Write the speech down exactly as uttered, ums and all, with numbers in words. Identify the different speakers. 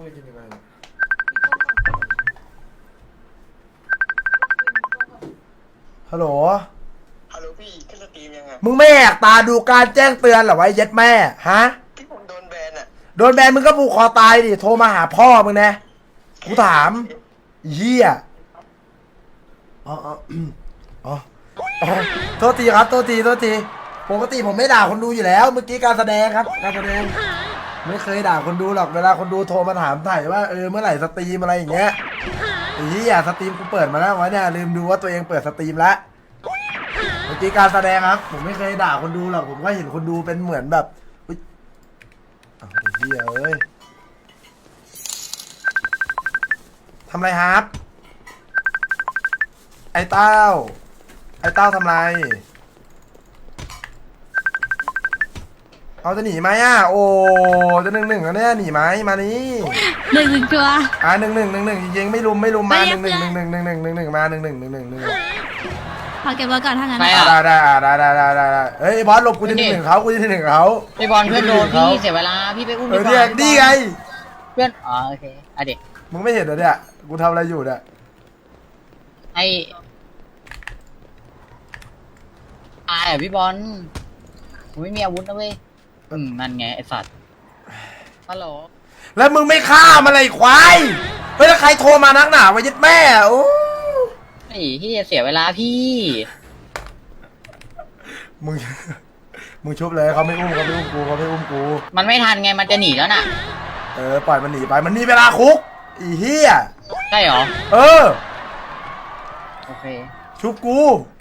Speaker 1: ไปกินยังไงฮัลโหล
Speaker 2: ฮัลโหลพี่ขึ้นสตรีมยังไง
Speaker 1: มึงไม่แหกตาดูการแจ้งเตือนเหรอไว้เย็ดแม่ฮะ
Speaker 2: พี่ผมโดนแบนอ่ะ
Speaker 1: โดนแบนมึงก็ผูกคอตายดิโทรมาหาพ่อมึงนะกูถามเฮียอ๋ออ๋ออ๋อโทษทีครับโทษทีโทษทีปกติผมไม่ด่าคนดูอยู่แล้ว เมื่อกี้การแสดงครับการแสดงไม่เคยด่าคนดูหรอกเวลาคนดูโทรมาถามถ่ายว่าเออเมื่อไหร่สตรีมอะไรอย่างเงี้ยไอ้เหี้ยสตรีมกูเปิดมาแล้ววะเนี่ยลืมดูว่าตัวเองเปิดสตรีมแล้วเมื่อกี้การแสดงครับผมไม่เคยด่าคนดูหรอกผมก็เห็นคนดูเป็นเหมือนแบบอุ๊ยอ้าวไอ้เหี้ยเอ้ยทำไรครับ ไอ้เต้า ไอ้เต้าทำไร เอาจะหนีไหมอ่ะ โอ้จะหนึ่งหนึ่งแล้วเนี่ยหนีไหมมานี่
Speaker 3: หนึ่งหนึ่งตัว
Speaker 1: อ่ะหนึ่งหนึ่งหนึ่งหนึ่งจริงๆไม่ลุมไม่ลุมมา
Speaker 3: ไม่
Speaker 1: ห
Speaker 3: เรี
Speaker 1: นึ่
Speaker 3: ย
Speaker 1: ง
Speaker 3: ก
Speaker 1: หนึ่งหนึ่งหนึ่งหนึ่งหนึ่งหนึ่งหนึ่งมาหนึ่งหนึ่งหนึ่งหนึ่งหนึ่ง
Speaker 3: ขอเก็บไว้ก่อนถ้างั้น
Speaker 4: ไม่อะ
Speaker 1: ได้ได้ได้ได้ได้ได้ได้เฮ้ยบอสหลบกูจะหนึ่งหนึ่งเขากูจะหนึ่งหนึ่งเขา
Speaker 4: พี่บอลเพื่อนโดนพี่เสียเวลาพี่ไปอุ้ม
Speaker 1: เอ
Speaker 4: ดี
Speaker 1: อก เนี่ย
Speaker 4: ว่า
Speaker 1: นี่ไง
Speaker 4: เพื่อนอ๋อโอเคอ่ะเด็ก
Speaker 1: มึงไม่เห็นเหรอเนี่ยกูทำอะไรอยู่เนี่ย
Speaker 4: ไอตายอ่ะพี่บอลผมไม่มีอาวุธนะเว้ยอืมนั่นไงไอสัตว์ฮัลโหล
Speaker 1: แล้วมึงไม่ฆ่ามันเลยควายเฮ้ยแล้วใครโทรมานักหนาวะยึดแม่โอ้
Speaker 4: ไอ้ที่เสียเวลาพี่
Speaker 1: มึง มึงชุบเลยเขาไม่อุ้มเขาไม่อุ้มกูเขาไม่อุ้มกู
Speaker 4: มันไม่ทันไงมันจะหนีแล้วน่ะ
Speaker 1: เออปล่อยมันหนีไปมันมีเวลาคุกอีเหี้ย
Speaker 4: ใช่เหรอ
Speaker 1: เออ
Speaker 4: โอเค
Speaker 1: ชุบกู